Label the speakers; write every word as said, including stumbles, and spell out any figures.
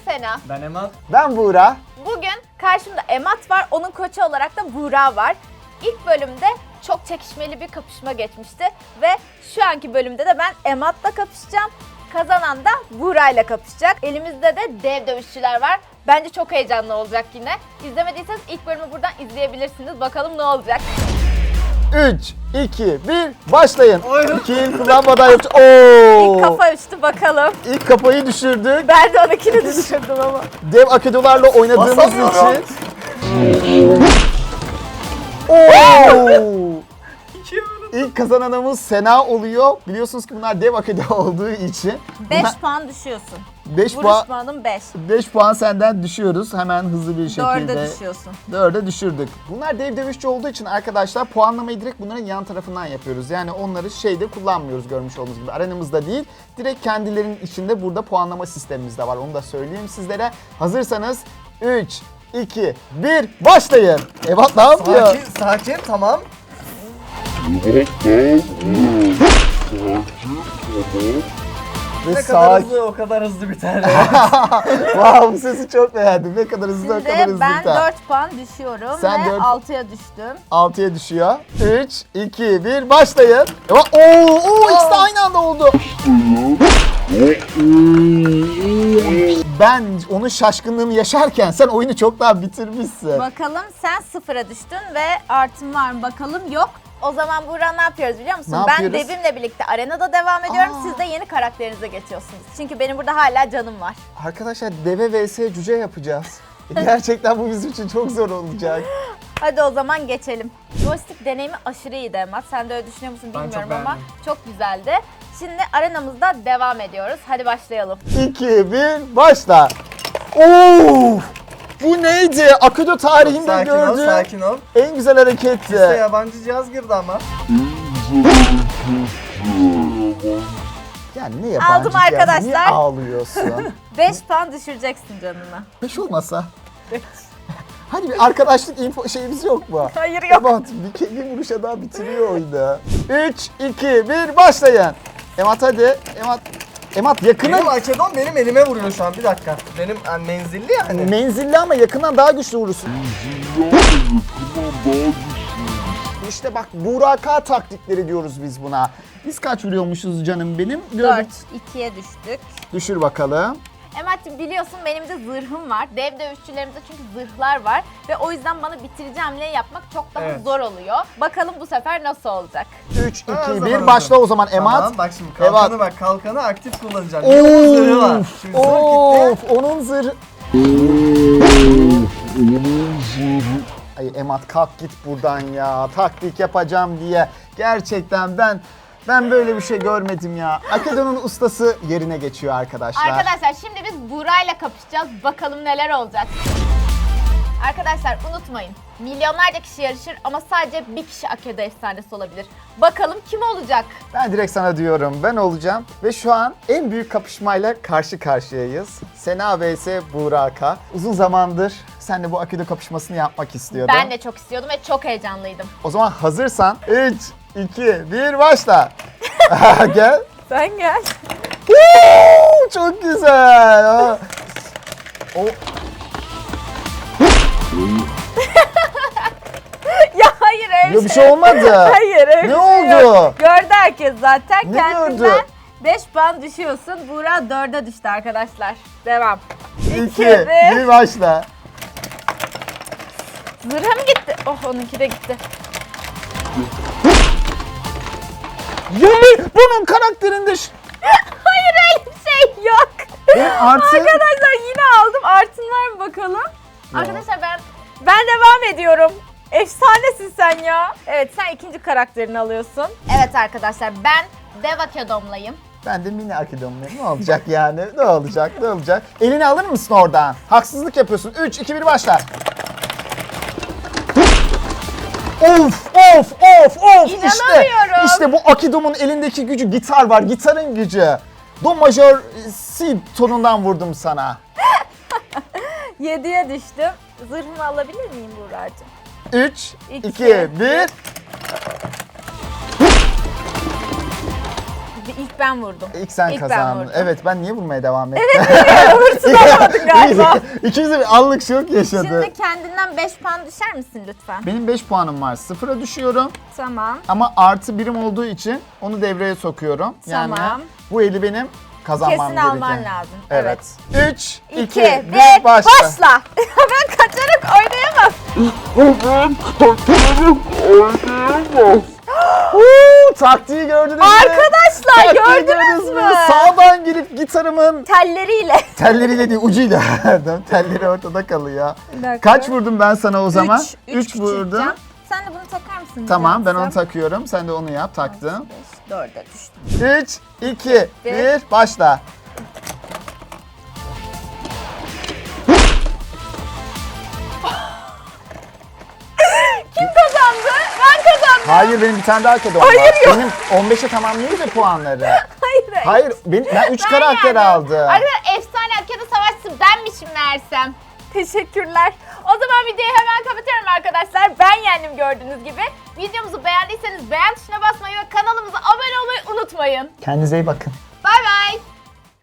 Speaker 1: Sena.
Speaker 2: Ben Emat.
Speaker 3: Ben Buğra.
Speaker 1: Bugün karşımda Emat var, onun koçu olarak da Buğra var. İlk bölümde çok çekişmeli bir kapışma geçmişti ve şu anki bölümde de ben Emat'la kapışacağım. Kazanan da Buğra ile kapışacak. Elimizde de dev dövüşçüler var. Bence çok heyecanlı olacak yine. İzlemediyseniz ilk bölümü buradan izleyebilirsiniz. Bakalım ne olacak.
Speaker 3: üç, iki, bir, başlayın. İki el kullanmadan yapacağız. Oo.
Speaker 1: İlk kafa uçtu bakalım.
Speaker 3: İlk kafayı düşürdük.
Speaker 1: Ben de onunkini düşürdüm ama.
Speaker 3: Dev akidolarla oynadığımız
Speaker 2: Basamıyorum.
Speaker 3: için. Oo. İlk kazananımız Sena oluyor. Biliyorsunuz ki bunlar dev akido olduğu için.
Speaker 1: beş puan düşüyorsun.
Speaker 3: beş
Speaker 1: Vuruş
Speaker 3: puan
Speaker 1: puanım beş.
Speaker 3: beş puan senden düşüyoruz. Hemen hızlı bir şekilde.
Speaker 1: dörde düşüyorsun.
Speaker 3: dörde düşürdük. Bunlar dev dövüşçü olduğu için arkadaşlar puanlamayı direkt bunların yan tarafından yapıyoruz. Yani onları şeyde kullanmıyoruz görmüş olduğunuz gibi. Arenamızda değil. Direkt kendilerinin içinde burada puanlama sistemimiz de var. Onu da söyleyeyim sizlere. Hazırsanız üç, iki, bir, başlayın. Evet, ne yapıyor?
Speaker 2: Sakin, sakin, tamam.
Speaker 3: Ve
Speaker 2: Ne kadar
Speaker 3: sakin.
Speaker 2: hızlı o kadar hızlı biter.
Speaker 3: Wow, bu sesi çok beğendim. Ne kadar hızlı o kadar
Speaker 1: Şimdi
Speaker 3: hızlı
Speaker 1: ben
Speaker 3: biter.
Speaker 1: dört puan düşüyorum
Speaker 3: Sen
Speaker 1: ve
Speaker 3: dört-
Speaker 1: altıya düştüm.
Speaker 3: altıya düşüyor. üç, iki, bir, başlayın. Oo, oo, ikisi de aynı anda oldu. Ben onun şaşkınlığını yaşarken sen oyunu çoktan bitirmişsin.
Speaker 1: Bakalım sen sıfıra düştün ve artın var mı bakalım, yok. O zaman Buğra ne yapıyoruz biliyor musun?
Speaker 3: Ne
Speaker 1: ben
Speaker 3: yapıyoruz?
Speaker 1: Devim'le birlikte arenada devam ediyorum.
Speaker 3: Aa.
Speaker 1: Siz de yeni karakterinize geçiyorsunuz. Çünkü benim burada hala canım var.
Speaker 3: Arkadaşlar deve vs cüce yapacağız. Gerçekten bu bizim için çok zor olacak.
Speaker 1: Hadi o zaman geçelim. Joystick deneyimi aşırı iyiydi Emat. Sen de öyle düşünüyor musun
Speaker 2: Ben
Speaker 1: bilmiyorum
Speaker 2: çok
Speaker 1: ama
Speaker 2: beğendim.
Speaker 1: çok güzeldi. Şimdi arenamızda devam ediyoruz. Hadi başlayalım.
Speaker 3: iki, bir, başla. Oo! Bu neydi? Akido tarihinde
Speaker 2: Sakin ol,
Speaker 3: gördüğüm
Speaker 2: sakin ol.
Speaker 3: en güzel hareketti.
Speaker 2: İşte yabancı cihaz girdi ama.
Speaker 3: Yani ne yabancı
Speaker 1: Aldım
Speaker 3: cihaz,
Speaker 1: arkadaşlar.
Speaker 3: Niye ağlıyorsun?
Speaker 1: beş puan düşüreceksin canına.
Speaker 3: Beş olmasa. Hani bir arkadaşlık info şeyimiz yok mu?
Speaker 1: Hayır, yok.
Speaker 3: Emat bir, ke- bir vuruşa daha bitiriyor oyunu. üç, iki, bir, başlayın. Emat hadi. Emat. Emat yakına.
Speaker 2: Benim Akedon benim elime vuruyor şu an, bir dakika. Benim yani menzilli yani.
Speaker 3: Menzilli ama yakından daha güçlü vurursun. İşte bak Buraka taktikleri diyoruz biz buna. Biz kaç vuruyormuşuz canım benim? Gördüm.
Speaker 1: dört, ikiye düştük.
Speaker 3: Düşür bakalım.
Speaker 1: Emat'cığım biliyorsun benim de zırhım var. Dev dövüşçülerimizde çünkü zırhlar var. Ve o yüzden bana bitirici hamle yapmak çok daha
Speaker 2: Evet.
Speaker 1: zor oluyor. Bakalım bu sefer nasıl olacak?
Speaker 3: üç,
Speaker 2: Ha, o
Speaker 3: iki,
Speaker 2: zaman
Speaker 3: bir,
Speaker 2: hazır.
Speaker 3: başla o zaman Emat.
Speaker 2: Tamam, bak şimdi kalkanı
Speaker 3: Evet.
Speaker 2: bak, kalkanı aktif kullanacağım. Bir onun zırhı var.
Speaker 3: Of,
Speaker 2: Şimdi zırh gitti.
Speaker 3: of, onun zırhı. Ay Emat kalk git buradan ya. Taktik yapacağım diye. Gerçekten ben ben böyle bir şey görmedim ya. Akedon'un ustası yerine geçiyor arkadaşlar.
Speaker 1: Arkadaşlar şimdi biz Buğra'yla kapışacağız. Bakalım neler olacak. Arkadaşlar unutmayın. Milyonlarca kişi yarışır ama sadece bir kişi Akedo efsanesi olabilir. Bakalım kim olacak?
Speaker 3: Ben direkt sana diyorum, ben olacağım ve şu an en büyük kapışmayla karşı karşıyayız. Sena vs Buraka. Uzun zamandır seninle bu Akido kapışmasını yapmak istiyordum.
Speaker 1: Ben de çok istiyordum ve çok heyecanlıydım.
Speaker 3: O zaman hazırsan üç, iki, bir, başla. Gel.
Speaker 1: Sen gel.
Speaker 3: Woo! Çok güzel. Aa. O
Speaker 1: Ya hayır öyle
Speaker 3: ya bir şey olmadı.
Speaker 1: Hayır öyle
Speaker 3: Ne
Speaker 1: bir şey
Speaker 3: oldu?
Speaker 1: yok. Gördü herkes zaten.
Speaker 3: Ne
Speaker 1: Kendinden
Speaker 3: gördü?
Speaker 1: beş puan düşüyorsun. Buğra dörde düştü arkadaşlar. Devam.
Speaker 3: İki,
Speaker 1: bir.
Speaker 3: bir, başla.
Speaker 1: Zırhım gitti. Oh onunki de gitti.
Speaker 3: Yemin bunun karakterinde ş-
Speaker 1: Hayır öyle bir şey yok.
Speaker 3: E, artı-
Speaker 1: Arkadaşlar yine aldım. Artın var mı bakalım? Arkadaşlar ben ben devam ediyorum. Efsanesin sen ya. Evet sen ikinci karakterini alıyorsun. Evet arkadaşlar ben Dev Akedom'layım.
Speaker 3: Ben de mini Akido'mla. Ne olacak yani? Ne olacak? Ne olacak? Elini alır mısın oradan? Haksızlık yapıyorsun. üç, iki, bir, başla. Of of of of işte
Speaker 1: İnanamıyorum.
Speaker 3: işte bu Akido'nun elindeki gücü, gitar var, gitarın gücü. Do majör si tonundan vurdum sana.
Speaker 1: yediye düştüm. Zırhımı alabilir miyim Buğra'cığım?
Speaker 3: üç,
Speaker 1: İki,
Speaker 3: iki, bir.
Speaker 1: İlk ben vurdum.
Speaker 3: İlk sen
Speaker 1: İlk ben
Speaker 3: kazandın.
Speaker 1: vurdum.
Speaker 3: Evet, ben niye vurmaya devam ettim?
Speaker 1: Hırsız olamadık galiba.
Speaker 3: İkimiz de bir anlık şok yaşadı.
Speaker 1: Şimdi kendinden beş puan düşer misin lütfen?
Speaker 3: Benim beş puanım var. Sıfıra düşüyorum.
Speaker 1: Tamam.
Speaker 3: Ama artı birim olduğu için onu devreye sokuyorum. Yani
Speaker 1: Tamam.
Speaker 3: bu eli benim kazanmam
Speaker 1: Kesin
Speaker 3: gerekiyor.
Speaker 1: alman lazım.
Speaker 3: Evet. üç, iki,
Speaker 1: İki,
Speaker 3: bir,
Speaker 1: bir,
Speaker 3: başla.
Speaker 1: başla. Ben kaçarak oynayamam.
Speaker 3: Huu, taktiği gördünüz mü?
Speaker 1: Arkadaşlar
Speaker 3: Taktiği
Speaker 1: gördünüz mü?
Speaker 3: Sağdan girip gitarımın
Speaker 1: Telleriyle.
Speaker 3: telleriyle değil ucuyla. Telleri ortada kalıyor.
Speaker 1: Bir dakika.
Speaker 3: Kaç vurdum ben sana o zaman?
Speaker 1: Üç, üç
Speaker 3: üç vurdum.
Speaker 1: küçülteceğim. Sen de bunu takar mısın?
Speaker 3: Tamam, ben
Speaker 1: rica
Speaker 3: onu
Speaker 1: etsem?
Speaker 3: takıyorum. Sen de onu yap. Taktım.
Speaker 1: Beş, dörde düştüm.
Speaker 3: üç, iki,
Speaker 1: Bir.
Speaker 3: bir, başla.
Speaker 1: Kim kazandı? Ben kazandım.
Speaker 3: Hayır, benim bir tane daha kedi var.
Speaker 1: Hayır, yok.
Speaker 3: Benim on beşe tamamlıyoruz ya puanları.
Speaker 1: Hayır hayır.
Speaker 3: Hayır, benim, ben üç
Speaker 1: Ben
Speaker 3: karakter
Speaker 1: yendim.
Speaker 3: aldım.
Speaker 1: Arkadaşlar efsane akede savaşçısı benmişim meğersem. Teşekkürler. O zaman videoyu hemen kapatıyorum arkadaşlar. Ben yendim gördüğünüz gibi. Videomuzu beğendiyseniz beğen tuşuna basmayı ve kanalımıza abone olmayı unutmayın.
Speaker 3: Kendinize iyi bakın.